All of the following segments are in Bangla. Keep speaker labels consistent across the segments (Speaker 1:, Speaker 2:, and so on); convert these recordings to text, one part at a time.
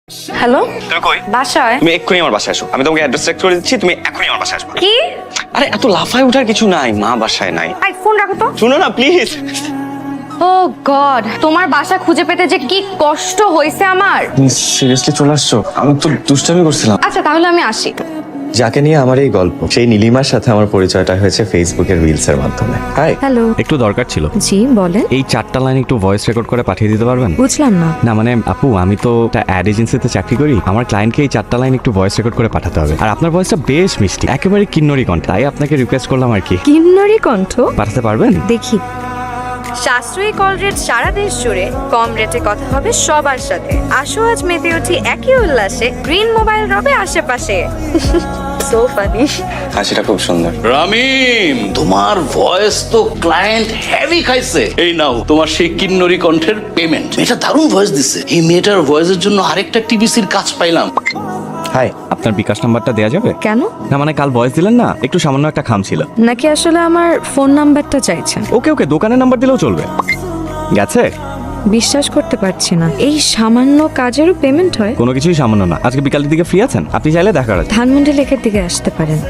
Speaker 1: হ্যালো,
Speaker 2: তুমি কই?
Speaker 1: বাসায়।
Speaker 2: তুমি এক্ষুনি আমার বাসায় আসো। আমি তোমাকে অ্যাড্রেস চেক করে দিচ্ছি, তুমি এক্ষুনি আমার বাসায় আসবে।
Speaker 1: কি?
Speaker 2: আরে এত লাফায় ওঠার কিছু নাই, মা বাসায় নাই।
Speaker 1: আই ফোন রাখো তো।
Speaker 2: শুনো না প্লিজ।
Speaker 1: ও গড, তোমার বাসা খুঁজে পেতে যে কি কষ্ট হয়েছে আমার।
Speaker 3: সিরিয়াসলি চলে আসছো? আমি তো দুষ্টামি করছিলাম।
Speaker 1: আচ্ছা তাহলে আমি আসি।
Speaker 3: যাকে নিয়ে আমার এই গল্প, সেই নীলিমার সাথে আমার পরিচয়টা হয়েছে ফেসবুকের রিলস এর মাধ্যমে। হাই।
Speaker 1: হ্যালো।
Speaker 4: একটু দরকার ছিল।
Speaker 1: জি বলেন।
Speaker 4: এই 4টা লাইন একটু ভয়েস রেকর্ড করে পাঠিয়ে দিতে পারবেন?
Speaker 1: বুঝলাম না।
Speaker 4: না মানে আপু, আমি তো একটা অ্যাড এজেন্সিতে চাকরি করি। আমার ক্লায়েন্টকে এই 4টা লাইন একটু ভয়েস রেকর্ড করে পাঠাতে হবে। আর আপনার ভয়েসটা বেশ মিষ্টি, একেবারে কিন্নরি কণ্ঠ। তাই আপনাকে রিকোয়েস্ট করলাম আর কি।
Speaker 1: কিন্নরি কণ্ঠ?
Speaker 4: পাঠাতে পারবেন?
Speaker 1: দেখি। সাশ্রয়ী কল রেট সারা দেশ জুড়ে, কম রেটে কথা হবে সবার সাথে। আসো আজ মেতে উঠি একই উল্লাসে, গ্রিন মোবাইল রবে আশেপাশে। So funny.
Speaker 2: হাসিটা খুব সুন্দর।
Speaker 5: রামিম, তোমার ভয়েস তো ক্লায়েন্ট হেভি খাইছে। এই নাও তোমার সেই কিন্নরি কণ্ঠের পেমেন্ট। এটা দারুণ ভয়েস দিছে। এই মেয়েটার ভয়েসের জন্য আরেকটা টিভিসির কাজ পাইলাম।
Speaker 3: হাই।
Speaker 4: আপনার বিকাশ নাম্বারটা দেওয়া যাবে?
Speaker 1: কেন?
Speaker 4: না মানে কাল ভয়েস দিলেন না, একটু সামান্য একটা খাম ছিল।
Speaker 1: নাকি আসলে আমার ফোন নাম্বারটা চাইছেন?
Speaker 4: ওকে ওকে, দোকানের নাম্বার দিলেও চলবে। গেছে?
Speaker 1: বিশ্বাস করতে পারছি না, এই সামান্য কাজেরও পেমেন্ট হয়?
Speaker 4: কোনো কিছুই সামান্য না। আজকে বিকালের দিকে ফ্রি আছেন? আপনি চাইলে দেখা করা যায়।
Speaker 1: ধানমন্ডি লেকের দিকে আসতে পারেন।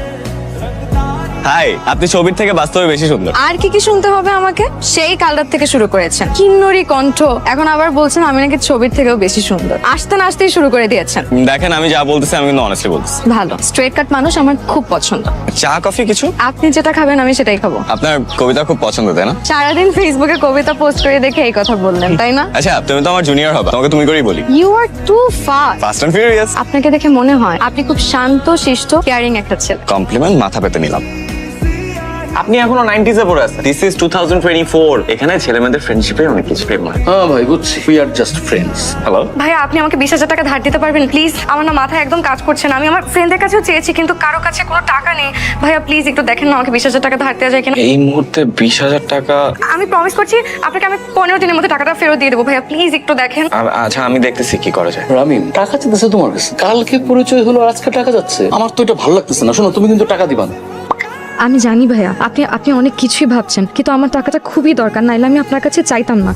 Speaker 2: হাই, আপনি ছবির থেকে বাস্তবে বেশি সুন্দর।
Speaker 1: আর কি কি শুনতে হবে আমাকে? সেই কালটার থেকে শুরু করেছেন কিন্নরি কণ্ঠ, এখন আবার বলছেন আমি নাকি ছবির থেকেও বেশি সুন্দর। আসতে না আসতেই শুরু করে দিয়েছেন।
Speaker 2: দেখেন, আমি যা বলতেছি আমি কিন্তু অনেস্টলি বলতেছি।
Speaker 1: ভালো স্ট্রেট কাট মানুষ আমার খুব পছন্দ।
Speaker 2: চা কফি কিছু?
Speaker 1: আপনি যেটা খাবেন আমি সেটাই খাবো।
Speaker 2: আপনার কবিতা খুব পছন্দ, তাই না?
Speaker 1: সারাদিন ফেসবুকে কবিতা পোস্ট করে দেখে এই কথা বললেন, তাই না?
Speaker 2: আচ্ছা, তুমি তো আমার জুনিয়র হবে, তোমাকে তুমি করেই বলি।
Speaker 1: You are too fast.
Speaker 2: Fast and furious.
Speaker 1: আপনাকে দেখে মনে হয় আপনি খুব শান্ত শিষ্ট কেয়ারিং একটা ছেলে।
Speaker 2: কমপ্লিমেন্ট মাথা পেতে নিলাম। আপনি এখনো 90s এ পড়ে আছেন। This is 2024। এখানে ছেলেমেয়েদের ফ্রেন্ডশিপে অনেক কিছু প্রেম হয়।
Speaker 5: হ্যাঁ ভাই, বুঝছি। We are just friends.
Speaker 2: Hello.
Speaker 1: ভাইয়া আপনি আমাকে 20,000 টাকা ধার দিতে পারবেন প্লিজ? আমার না মাথায় একদম কাজ করছে না। আমি আমার ফ্রেন্ডের কাছেও চেয়েছি কিন্তু কারো কাছে কোনো টাকা নেই। ভাইয়া প্লিজ একটু দেখেন না আমাকে 20,000 টাকা ধার দেওয়া যায় কিনা।
Speaker 2: এই মুহূর্তে 20,000 টাকা?
Speaker 1: আমি প্রমিস করছি আপনাকে আমি 15 দিনের মধ্যে টাকাটা ফেরত দিয়ে দেবো। ভাইয়া প্লিজ একটু দেখেন।
Speaker 2: আচ্ছা, আমি দেখতেছি কি করা যায়।
Speaker 5: রামিম, টাকা চাইতেছে তোমার কাছে। কালকে পরিচয় হলো আর আজকে টাকা যাচ্ছে। আমার তো এটা ভালো লাগতেছে না। শোনো, তুমি কিন্তু টাকা দিবা না।
Speaker 1: আমি জানি ভাইয়া আপনি অনেক কিছুই ভাবছেন, কিন্তু আমার টাকাটা খুবই দরকার, নাইলে আমি আপনার কাছে চাইতাম না।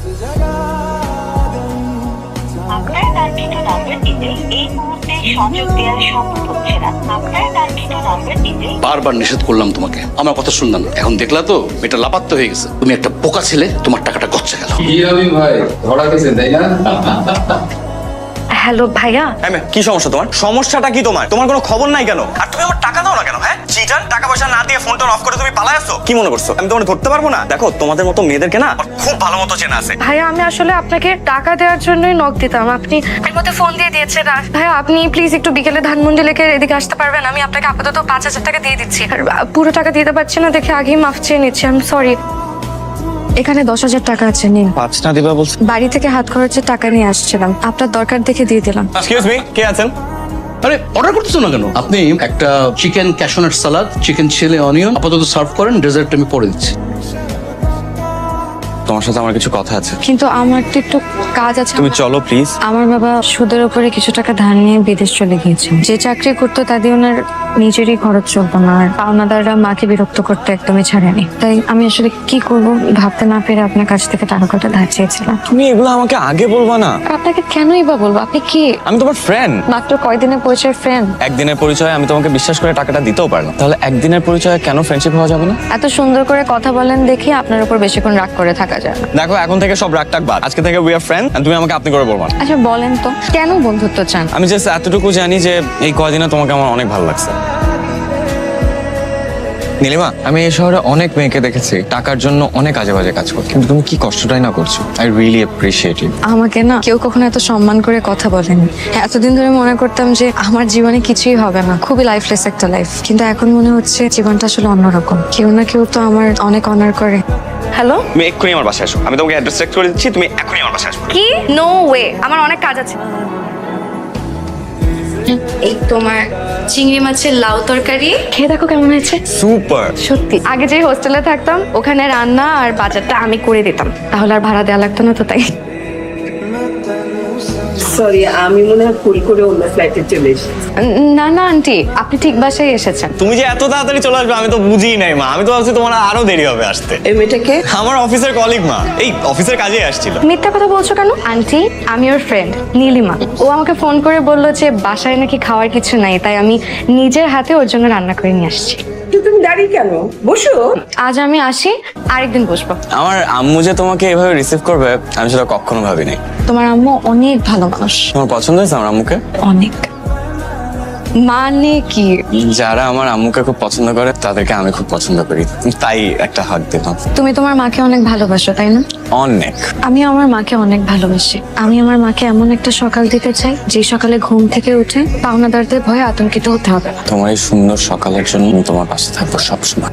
Speaker 6: আপনার কাঙ্ক্ষিত নাম্বারটিতে এই মুহূর্তে সংযোগ দেওয়া সম্ভব হচ্ছে না। আপনার কাঙ্ক্ষিত নাম্বারটিতে
Speaker 5: বারবার নিষেধ করলাম তোমাকে, আমার কথা শুনলাম না। এখন দেখলা তো এটা লাপাত্তা হয়ে গেছে। তুমি একটা বোকা ছেলে, তোমার টাকাটা গচ্ছা গেল।
Speaker 7: ভাই ধরা গেছে তাই না?
Speaker 1: হ্যালো ভাইয়া।
Speaker 2: কি সমস্যা তোমার? সমস্যাটা কি তোমার? তোমার কোনো খবর নাই কেন? আর তুমি আমার টাকা দাও না কেন? হ্যাঁ চিটার, টাকা পয়সা না দিয়ে ফোনটা অফ করে তুমি পালায় আসছো। কি মনে করছো আমি তোমার ধরতে পারবো না? দেখো, তোমাদের মতো মেয়েদেরকে না আমার খুব ভালো মতো চেনা আছে।
Speaker 1: ভাইয়া আমি আসলে আপনাকে টাকা দেওয়ার জন্যই নক দিতাম, আপনি এর মধ্যে ফোন দিয়ে দিয়েছেন। আর ভাইয়া আপনি প্লিজ একটু বিকেলে ধানমন্ডি লেকের এদিকে আসতে পারবেন? আমি আপনাকে আপাতত 5,000 টাকা দিয়ে দিচ্ছি। আর পুরো টাকা দিতে পারছি না দেখে আগেই মাফ চেয়ে নিচ্ছি। I am sorry. এখানে 10,000 টাকা আছে, নিন।
Speaker 2: 5 না দিবা বলছো?
Speaker 1: বাড়ি থেকে হাত খরচের টাকা নিয়ে আসছিলাম, আপনার দরকার দেখে দিয়ে দিলাম।
Speaker 2: এক্সকিউজ মি, কে আছেন?
Speaker 5: আরে অর্ডার করতেছো না কেন? আপনি একটা chicken cashew nut salad, chicken chilli onion আপাতত সার্ভ করেন। ডেজার্ট আমি পরে দিচ্ছি।
Speaker 2: তোমার সাথে আমার কিছু কথা আছে।
Speaker 1: কিন্তু আমার তো একটু কাজ আছে।
Speaker 2: তুমি চলো প্লিজ।
Speaker 1: আমার বাবা সুদের উপরে কিছু টাকা ধার নিয়ে বিদেশ চলে গিয়েছে। যে চাকরি করতো তা দিয়ে ওনার নিজেরই খরচ চলতো না, আর পাওনাদাররা মাকে বিরক্ত করতে একদমই ছাড়েনি। তাই আমি আসলে কি করব ভাবতে না পেরে আপনার কাছ থেকে টাকা কটা ধার চেয়েছিলাম।
Speaker 2: তুমি এগুলো আমাকে আগে বলবা না।
Speaker 1: আপনাকে কেনই বা বলবো? আপনি কি?
Speaker 2: আমি তোমার ফ্রেন্ড।
Speaker 1: মাত্র কয়দিনের পরিচয় ফ্রেন্ড।
Speaker 2: একদিনের পরিচয় আমি তোমাকে বিশ্বাস করে টাকাটা দিতেও পারলাম, তাহলে একদিনের পরিচয় কেন ফ্রেন্ডশিপ হওয়া যাবে না?
Speaker 1: এত সুন্দর করে কথা বলেন দেখি আপনার উপর বেশিক্ষণ রাগ করে থাকা যায় না।
Speaker 2: দেখো, এখন থেকে সব রাগ টাক বাদ। আজকে থেকে উই আর ফ্রেন্ড, তুমি আমাকে আপনি করে বলবা না।
Speaker 1: আচ্ছা বলেন তো কেন বন্ধুত্ব চান?
Speaker 2: আমি জাস্ট এতটুকু জানি যে এই কয়দিনে তোমাকে আমার অনেক ভালো লাগছে। নীলিমা, আমি এই শহরে অনেক মেয়েকে দেখেছি টাকার জন্য অনেক আজে বাজে কাজ করতে, কিন্তু তুমি কি কষ্টটাই না করছো। I really appreciate it.
Speaker 1: আমাকে না কেউ কখনো এত সম্মান করে কথা বলেনি। এতদিন ধরে মনে করতাম যে আমার জীবনে কিছুই হবে না, খুবই লাইফলেস একটা লাইফ, কিন্তু এখন মনে হচ্ছে জীবনটা আসলে অন্যরকম। কেউ না কেউ তো আমার অনেক অনার করে। হ্যালো,
Speaker 2: তুমি এক্ষুনি আমার বাসায় আসো। আমি তোমাকে অ্যাড্রেস চেক করে দিচ্ছি, তুমি এক্ষুনি আমার বাসায় আসো।
Speaker 1: কি? নো ওয়ে, আমার অনেক কাজ আছে। এই তোমার চিংড়ি মাছের লাউ তরকারি খেয়ে দেখো কেমন হয়েছে।
Speaker 2: সুপার।
Speaker 1: সত্যি আগে যে হোস্টেলে থাকতাম ওখানে রান্না আর বাজারটা আমি করে দিতাম, তাহলে আর ভাড়া দেওয়া লাগতো না, তো তাই।
Speaker 8: সরি, আমি মনে হয় ভুল করে অন্য ফ্লাইটে চলে এসেছি।
Speaker 1: না না আন্টি, আপনি ঠিক বাসায় এসেছেন।
Speaker 2: তুমি যে এত তাড়াতাড়ি চলে আসবে আমি তো বুঝিই নাই মা। আমি তো ভাবছি তোমার আরো দেরি হবে আসতে।
Speaker 8: এই মেয়েটাকে
Speaker 2: আমার অফিসের কলিগ মা, এই অফিসের কাজেই আসছিল।
Speaker 1: মিথ্যা কথা বলছো কেন আন্টি? আমি ওর ফ্রেন্ড নীলিমা। ও আমাকে ফোন করে বললো যে বাসায় নাকি খাওয়ার কিছু নাই, তাই আমি নিজের হাতে ওর জন্য রান্না করে নিয়ে আসছি।
Speaker 8: তো তুমি দাঁড়িয়ে কেন? বসো।
Speaker 1: আজ আমি আসি, আরেকদিন বসবো।
Speaker 2: আমার আম্মু যে তোমাকে এভাবে রিসিভ করবে আমি সেটা কখনো ভাবিনি।
Speaker 1: তোমার আম্মু অনেক ভালো মানুষ।
Speaker 2: তোমার পছন্দ হয়েছে আমার আম্মুকে?
Speaker 1: অনেক। মানে কি?
Speaker 2: যারা আমার আম্মুকে খুব পছন্দ করে তাদেরকে আমি খুব পছন্দ করি, তাই একটা হাত দিলাম।
Speaker 1: তুমি তোমার মাকে অনেক ভালোবাসো তাই না?
Speaker 2: অনেক।
Speaker 1: আমি আমার মাকে অনেক ভালোবাসি। আমি আমার মাকে এমন একটা সকাল দিতে চাই যে সকালে ঘুম থেকে উঠে পাওনাদারদের ভয়ে আতঙ্কিত হতে হবে না।
Speaker 2: তোমার এই সুন্দর সকালের জন্য আমি তোমার পাশে থাকবো সবসময়।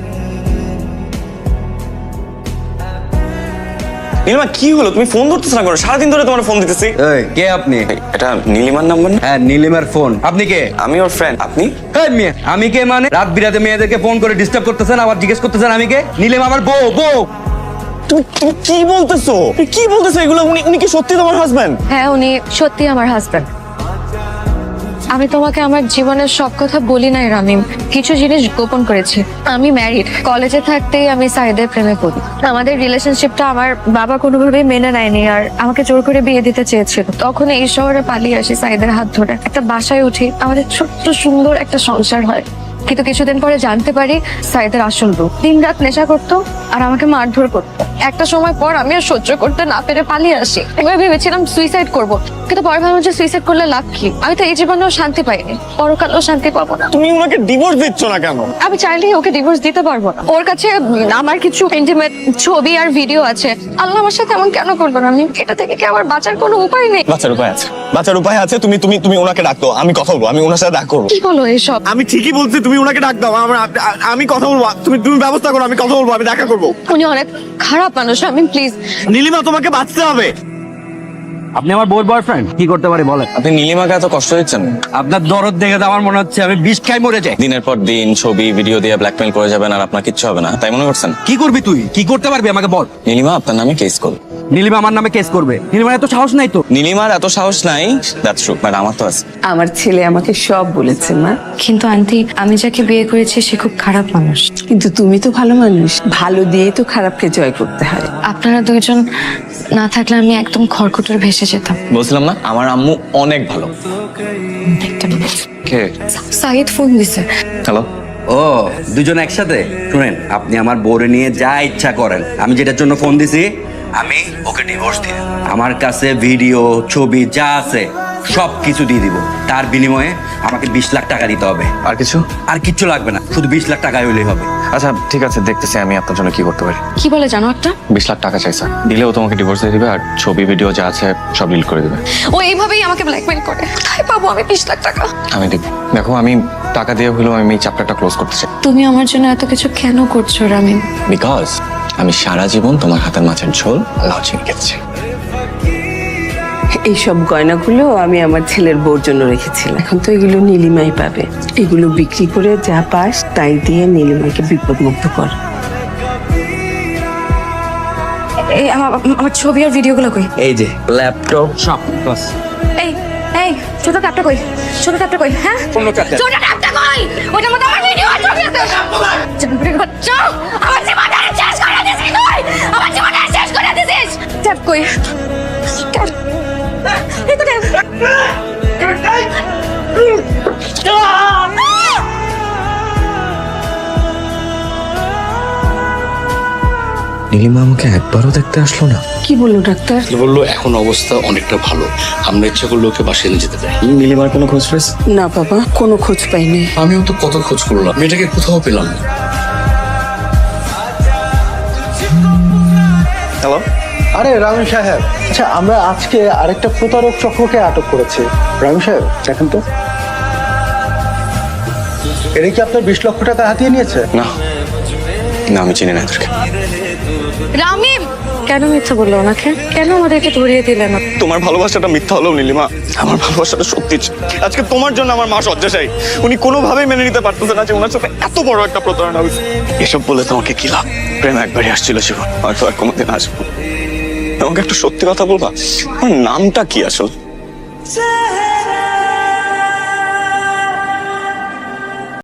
Speaker 2: নীলিমা কি হলো? তুমি ফোন ধরতেছ না কেন? সারাদিন ধরে তোমার ফোন দিতেছি।
Speaker 9: এই, কে আপনি?
Speaker 2: এটা নীলিমার নাম্বার না?
Speaker 9: হ্যাঁ, নীলিমার ফোন। আপনি কে?
Speaker 2: আমি ওর ফ্রেন্ড। আপনি?
Speaker 9: এই মেয়ে, আমি কে মানে? রাত বিরাতে মেয়েদেরকে ফোন করে ডিস্টার্ব করতেছেন, আবার জিজ্ঞেস করতেছেন আমি কে? নীলিমা আমার বউ।
Speaker 2: তুমি কি বলতেছো? তুমি কি বলতেছো এগুলো? উনি কি সত্যি তোমার হাজবেন্ড?
Speaker 1: হ্যাঁ, উনি সত্যি আমার হাজবেন্ড। আমি তোমাকে আমার জীবনের সব কথা বলি নাই রামিম, কিছু জিনিস গোপন করেছি। আমি ম্যারিড। কলেজে থাকতেই আমি সাইদের প্রেমে পড়ি। আমাদের রিলেশনশিপটা আমার বাবা কোনোভাবেই মেনে নেয়নি, আর আমাকে জোর করে বিয়ে দিতে চেয়েছিল। তখন এই শহরে পালিয়ে আসি সাইদের হাত ধরে, একটা বাসায় উঠি, আমাদের ছোট্ট সুন্দর একটা সংসার হয়। কিন্তু কিছুদিন পরে জানতে পারি সাইদের আসল রূপ। দিনরাত নেশা করতো আর আমাকে মারধর করতো। একটা সময় পর আমি আর সহ্য করতে না পেরে পালিয়ে আসি। এবার ভেবেছিলাম সুইসাইড করব, কিন্তু পরে ভাবলাম যে সুইসাইড করলে লাভ কি? আমি তো এই জীবনেও শান্তি পাইনি, পরকালেও শান্তি পাবো না।
Speaker 2: তুমি ওনাকে ডিভোর্স দিচ্ছ না কেন?
Speaker 1: আমি চাইলেই ওকে ডিভোর্স দিতে পারবো না। ওর কাছে আমার কিছু ইন্টিমেট ছবি আর ভিডিও আছে। আল্লাহ আমার সাথে এমন কেন করবো না? আমি এটা থেকে কি আমার বাঁচার কোনো উপায় নেই?
Speaker 2: বাঁচার উপায় আছে, বাঁচার উপায় আছে। তুমি তুমি তুমি ওনাকে ডাকতো, আমি কথা বলবো, আমি ওনার সাথে দেখা করবো।
Speaker 1: কি বলো এসব?
Speaker 2: আমি ঠিকই বলছি, তুমি ওনাকে ডাক দাও, আমি কথা বলবো। তুমি তুমি ব্যবস্থা করো, আমি কথা বলবো, আমি দেখা করবো।
Speaker 1: উনি অনেক খারাপ মানুষ, আমি প্লিজ।
Speaker 2: নীলিমা তোমাকে বাঁচতে হবে।
Speaker 9: আপনি আমার বউর বয়ফ্রেন্ড, কি করতে পারি বলেন?
Speaker 2: আপনি নীলিমাকে এত কষ্ট দিচ্ছেন?
Speaker 9: আপনার দরদ দেখে তো আমার মনে হচ্ছে আমি বিষ খাই মরে যাই।
Speaker 2: দিনের পর দিন ছবি ভিডিও দিয়ে ব্ল্যাকমেল করে যাবেন আর আপনার কিচ্ছু হবে না, তাই মনে করছেন?
Speaker 9: কি করবি তুই? কি করতে পারবি আমাকে বল।
Speaker 2: নীলিমা আপনার নামে কেস করবে।
Speaker 9: নীলিমা আমার নামে কেস করবে? নীলিমার এত সাহস নাই তো।
Speaker 2: নীলিমার এত সাহস নাই, দ্যাটস ট্রু, বাট আমার তো আছে।
Speaker 8: আমার ছেলে আমাকে সব বলেছে মা।
Speaker 1: কিন্তু আন্টি, আমি যাকে বিয়ে করেছি সে খুব খারাপ মানুষ।
Speaker 8: কিন্তু তুমি তো ভালো মানুষ, ভালো দিয়ে তো খারাপকে জয় করতে হয়।
Speaker 1: আপনারা দুইজন না থাকলে আমি একদম খড়কুটোর ভেসে যেতাম।
Speaker 2: বলছিলাম না আমার আম্মু অনেক ভালো।
Speaker 1: একটা মিনিট।
Speaker 2: কে?
Speaker 1: সাইদ ফোন দিছে।
Speaker 2: হ্যালো।
Speaker 9: ও, দুজন একসাথে? শুনেন, আপনি আমার বউরে নিয়ে যা ইচ্ছা করেন। আমি যেটার জন্য ফোন দিছি, আমি ওকে ডিভোর্স দিয়ে আমার কাছে ভিডিও ছবি যা আছে সব কিছু দিয়ে দিব। তার বিনিময়ে আমাকে 20 লাখ টাকা দিতে হবে।
Speaker 2: আর কিছু?
Speaker 9: আর কিচ্ছু লাগবে না, শুধু 20 লাখ টাকা হইলেই হবে।
Speaker 2: আচ্ছা ঠিক আছে, দেখতেছি আমি আপনার জন্য কি করতে পারি।
Speaker 1: কি বলে জানো একটা?
Speaker 2: 20 লাখ টাকা চাই স্যার, দিলেও তোমাকে ডিভোর্স দিয়ে দিবে আর ছবি ভিডিও যা আছে সব ডিলিট করে দিবে।
Speaker 1: ও এইভাবেই আমাকে ব্ল্যাকমেল করে। কোথায় পাবো আমি 20 লাখ টাকা?
Speaker 2: আমি দেব। দেখো আমি টাকা দিয়ে হলেও আমি এই চ্যাপ্টারটা ক্লোজ করতে চাই।
Speaker 1: তুমি আমার জন্য এত কিছু কেন করছো রামিন?
Speaker 2: বিকজ আমি সারা জীবন তোমার হাতের মাছের ঝোল লাউ চিংড়ি খেতেছি।
Speaker 8: এইসব গয়নাগুলো আমি আমার ছেলের বউর জন্য রেখেছিলাম। এখন তো এগুলো নীলিমাই পাবে। এগুলো বিক্রি করে যা পাস তাই দিয়ে নীলিমাকে বিপদমুক্ত কর।
Speaker 1: এই আমার ছবি আর ভিডিওগুলো কই?
Speaker 9: এই যে ল্যাপটপ সব বাস।
Speaker 1: এই এই ছোট ট্যাপটা কই? ছোট ট্যাপটা কই? হ্যাঁ,
Speaker 9: কোন ট্যাপটা?
Speaker 1: ছোট ট্যাপটা কই? ওটার মধ্যে আমার ভিডিও আর ছবি আছে। জানবুরের বাচ্চা, আমার জীবনটা শেষ করে দিছিস তুই। আমার জীবনটা শেষ করে দিছিস। ট্যাপ কই? ট্যাপ। এই তো ট্যাপ।
Speaker 2: নীলিমা আমাকে একবারও দেখতে আসলো না।
Speaker 8: কি বললো ডাক্তার?
Speaker 5: বললো এখন অবস্থা অনেকটা ভালো, আমরা ইচ্ছা করলে ওকে বাসায় নিয়ে যেতে চাই।
Speaker 2: নীলিমার কোনো খোঁজ পেয়েছ?
Speaker 8: না বাবা, কোনো খোঁজ পাইনি।
Speaker 5: আমিও তো কত খোঁজ করলাম, মেয়েটাকে কোথাও পেলাম না।
Speaker 2: হ্যালো।
Speaker 10: আরে রামি সাহেব, আচ্ছা আমরা আজকে আরেকটা প্রতারক চক্রকে আটক করেছি। রামি সাহেব দেখেন তো, এরা কি আপনার 20 লক্ষ টাকা হাতিয়ে নিয়েছে?
Speaker 2: না না, আমি চিনি না এদেরকে।
Speaker 1: রামিম কেন মিথ্যা বললো ওনাকে? কেন আমাদেরকে ধরিয়ে দিলেন না?
Speaker 2: তোমার ভালোবাসাটা মিথ্যা হলো নীলিমা, আমার ভালোবাসাটা সত্যি ছিল। আজকে তোমার জন্য আমার মা শয্যাশায়ী। উনি কোনোভাবেই মেনে নিতে পারতেছে না যে ওনার সাথে এত বড় একটা প্রতারণা হয়েছে। এসব বলে তোমাকে কি লাভ? প্রেম একবারই আসছিল জীবন, হয়তো আর কোনোদিন আসবো। আমাকে একটা সত্যি কথা বলবা, আমার নামটা কি আসল?
Speaker 11: चाहे